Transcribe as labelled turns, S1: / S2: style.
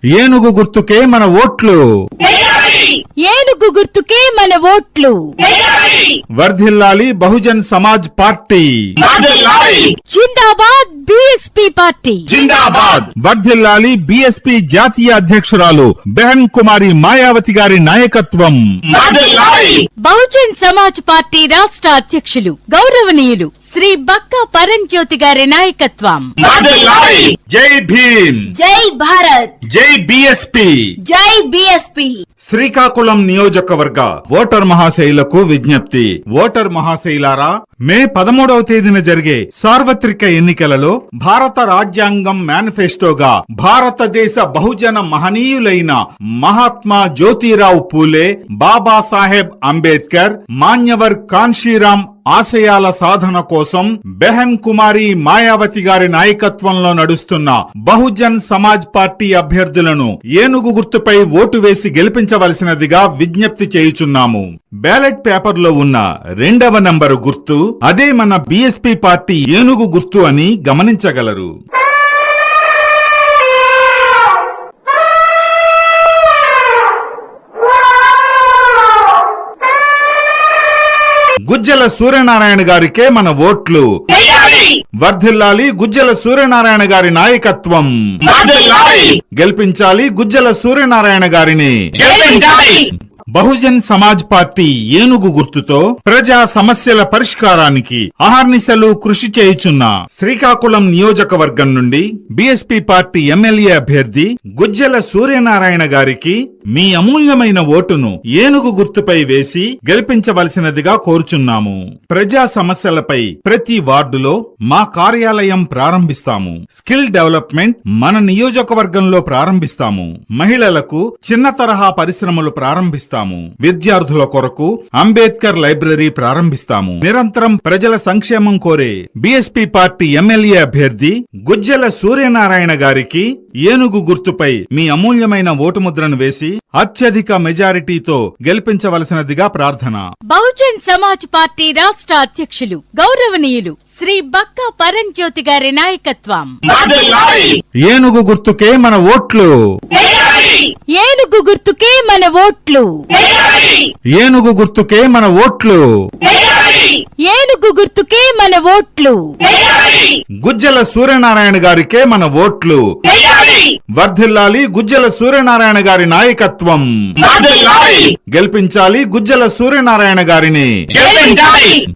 S1: ఏనుగు గుర్తుకే మన ఓట్లు.
S2: ఏనుగు గుర్తుకే మన ఓట్లు.
S1: వర్ధిల్లాలి బహుజన్ సమాజ్ పార్టీ.
S2: జిందాబాద్ బీఎస్పీ పార్టీ.
S3: జిందాబాద్.
S1: వర్ధిల్లాలి బీఎస్పీ జాతీయ అధ్యక్షురాలు బెహన్ కుమారి మాయావతి గారి నాయకత్వం.
S2: బహుజన్ సమాజ్ పార్టీ రాష్ట్ర అధ్యక్షులు గౌరవనీయులు శ్రీ బక్కా పరంజ్యోతి గారి నాయకత్వం.
S1: జై భీమ్.
S2: జై భారత్.
S1: జై బీఎస్పీ.
S2: జై బీఎస్పీ.
S1: శ్రీకాకుళం నియోజకవర్గ ఓటర్ మహాశైలకు విజ్ఞప్తి. ఓటర్ మహాశైలారా, మే 13వ తేదీన జరిగే సార్వత్రిక ఎన్నికలలో భారత రాజ్యాంగం మేనిఫెస్టోగా భారతదేశ బహుజన మహనీయులైన మహాత్మా జ్యోతిరావు పూలే, బాబాసాహెబ్ అంబేద్కర్, మాన్యవర్ కాన్షీరాం ఆశయాల సాధన కోసం బెహన్ కుమారి మాయావతి గారి నాయకత్వంలో నడుస్తున్న బహుజన్ సమాజ్ పార్టీ అభ్యర్థులను ఏనుగు గుర్తుపై ఓటు వేసి గెలిపించవలసినదిగా విజ్ఞప్తి చేయుచున్నాము. బ్యాలెట్ పేపర్ లో ఉన్న 2వ నంబరు గుర్తు అదే మన బీఎస్పీ పార్టీ ఏనుగు గుర్తు అని గమనించగలరు. గుజ్జల సూర్యనారాయణ గారికే మన ఓట్లు. వర్ధిల్లాలి గుజ్జల సూర్యనారాయణ గారి నాయకత్వం. గెలిపించాలి గుజ్జల సూర్యనారాయణ గారిని. బహుజన్ సమాజ్ పార్టీ ఏనుగు గుర్తుతో ప్రజా సమస్యల పరిష్కారానికి అహర్నిశలు కృషి చేయుచున్న శ్రీకాకుళం నియోజకవర్గం నుండి బీఎస్పీ పార్టీ ఎమ్మెల్యే అభ్యర్థి గుజ్జల సూర్యనారాయణ గారికి మీ అమూల్యమైన ఓటును ఏనుగు గుర్తుపై వేసి గెలిపించవలసినదిగా కోరుచున్నాము. ప్రజా సమస్యలపై ప్రతి వార్డులో మా కార్యాలయం ప్రారంభిస్తాము. స్కిల్ డెవలప్మెంట్ మన నియోజకవర్గంలో ప్రారంభిస్తాము. మహిళలకు చిన్న తరహా పరిశ్రమలు ప్రారంభిస్తాము. విద్యార్థుల కొరకు అంబేద్కర్ లైబ్రరీ ప్రారంభిస్తాము. నిరంతరం ప్రజల సంక్షేమం కోరే బీఎస్పీ పార్టీ ఎమ్మెల్యే అభ్యర్థి గుజ్జల సూర్యనారాయణ గారికి ఏనుగు గుర్తుపై మీ అమూల్యమైన ఓటు ముద్రను వేసి అత్యధిక మెజారిటీతో గెలిపించవలసినదిగా ప్రార్థన.
S2: బహుజన్ సమాజ్ పార్టీ రాష్ట్ర అధ్యక్షులు గౌరవనీయులు శ్రీ బక్కా పరంజ్యోతి గారి నాయకత్వం.
S1: ఏనుగు గుర్తుకే మన ఓట్లు.
S2: ఏనుగు గుర్తుకే మన ఓట్లు.
S1: ఏనుగు గుర్తుకే మన ఓట్లు.
S2: ఏనుగు గుర్తుకే మన ఓట్లు.
S1: గుజ్జల సూర్యనారాయణ గారికే మన ఓట్లు. వర్ధిల్లాలి గుజ్జల సూర్యనారాయణ గారి నాయకత్వం. గెలిపించాలి గుజ్జల సూర్యనారాయణ గారిని.